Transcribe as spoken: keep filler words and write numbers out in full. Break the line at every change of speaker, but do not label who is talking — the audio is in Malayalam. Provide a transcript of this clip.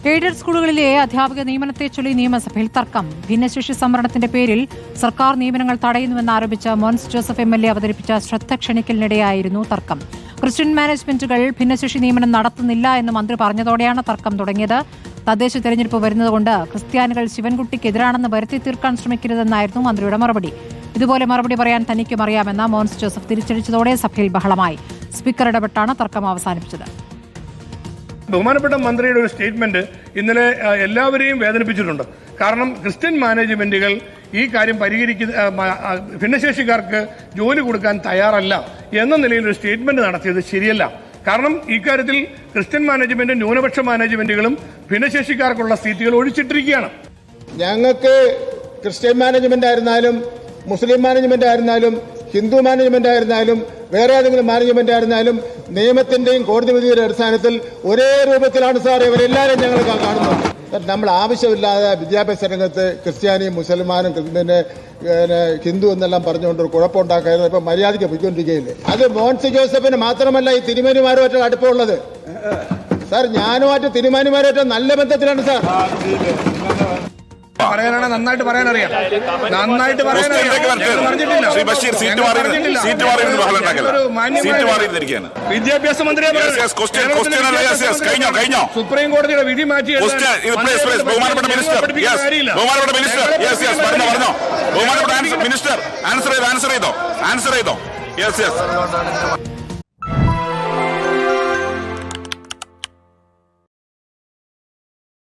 എയ്ഡഡ് സ്കൂളുകളിലെ അധ്യാപക നിയമനത്തെ ചൊല്ലി നിയമസഭയിൽ തർക്കം. ഭിന്നശേഷി സംവരണത്തിന്റെ പേരിൽ സർക്കാർ നിയമനങ്ങൾ തടയുന്നുവെന്നാരോപിച്ച് Mons Joseph M L A അവതരിപ്പിച്ച ശ്രദ്ധ ക്ഷണിക്കലിനിടെയായിരുന്നു തർക്കം. ക്രിസ്ത്യൻ മാനേജ്മെന്റുകൾ ഭിന്നശേഷി നിയമനം നടത്തുന്നില്ല എന്ന് മന്ത്രി പറഞ്ഞതോടെയാണ് തർക്കം തുടങ്ങിയത്. തദ്ദേശ തെരഞ്ഞെടുപ്പ് വരുന്നതുകൊണ്ട് ക്രിസ്ത്യാനികൾ ശിവൻകുട്ടിക്കെതിരാണെന്ന് വരുത്തി തീർക്കാൻ ശ്രമിക്കരുതെന്നായിരുന്നു മന്ത്രിയുടെ മറുപടി. ഇതുപോലെ മറുപടി പറയാൻ തനിക്കും അറിയാമെന്ന് മോൻസ് ജോസഫ് തിരിച്ചടിച്ചതോടെ സഭയിൽ ബഹളമായി. സ്പീക്കർ ഇടപെട്ടാണ് തർക്കം അവസാനിപ്പിച്ചത്.
ബഹുമാനപ്പെട്ട മന്ത്രിയുടെ ഒരു സ്റ്റേറ്റ്മെന്റ് ഇന്നലെ എല്ലാവരെയും വേദനിപ്പിച്ചിട്ടുണ്ട്. കാരണം ക്രിസ്ത്യൻ മാനേജ്മെന്റുകൾ ഈ കാര്യം പരിഹരിക്കുന്ന ഭിന്നശേഷിക്കാർക്ക് ജോലി കൊടുക്കാൻ തയ്യാറല്ല എന്ന നിലയിൽ ഒരു സ്റ്റേറ്റ്മെന്റ് നടത്തിയത് ശരിയല്ല. കാരണം ഇക്കാര്യത്തിൽ ക്രിസ്ത്യൻ മാനേജ്മെന്റും ന്യൂനപക്ഷ മാനേജ്മെന്റുകളും ഭിന്നശേഷിക്കാർക്കുള്ള സീറ്റുകൾ ഒഴിച്ചിട്ടിരിക്കുകയാണ്.
ഞങ്ങൾക്ക് ക്രിസ്ത്യൻ മാനേജ്മെന്റ് ആയിരുന്നാലും മുസ്ലിം മാനേജ്മെന്റ് ആയിരുന്നാലും ഹിന്ദു മാനേജ്മെന്റ് ആയിരുന്നാലും വേറെ ഏതെങ്കിലും മാനേജ്മെന്റ് ആയിരുന്നാലും നിയമത്തിന്റെയും കോടതി വിധിയുടെ അടിസ്ഥാനത്തിൽ ഒരേ രൂപത്തിലാണ് സാർ ഇവരെല്ലാവരും ഞങ്ങൾ കാണുന്നത്. നമ്മൾ ആവശ്യമില്ലാതെ വിദ്യാഭ്യാസ രംഗത്ത് ക്രിസ്ത്യാനിയും മുസൽമാനും പിന്നെ ഹിന്ദു എന്നെല്ലാം പറഞ്ഞുകൊണ്ട് കുഴപ്പമുണ്ടാക്കായിരുന്നു. ഇപ്പൊ മര്യാദയ്ക്ക് പൊയ്ക്കൊണ്ടിരിക്കുകയില്ലേ? അത് മോൻസ് ജോസഫിന് മാത്രമല്ല ഈ തിരുമേനിമാരുമായിട്ട് അടുപ്പമുള്ളത്. സാർ ഞാനുമായിട്ട് തിരുമേനിമാരുമായിട്ട് നല്ല ബന്ധത്തിലാണ് സാർ.
പറയാനാണ് നന്നായിട്ട് പറയാനറിയാം നന്നായിട്ട് വിദ്യാഭ്യാസ മന്ത്രിയെ സുപ്രീം കോടതിയുടെ വിധി മാറ്റി
മിനിസ്റ്റർ ആൻസർ ചെയ്തോ ആൻസർ ചെയ്തോ ആൻസർ ചെയ്തോ യെസ് യെസ്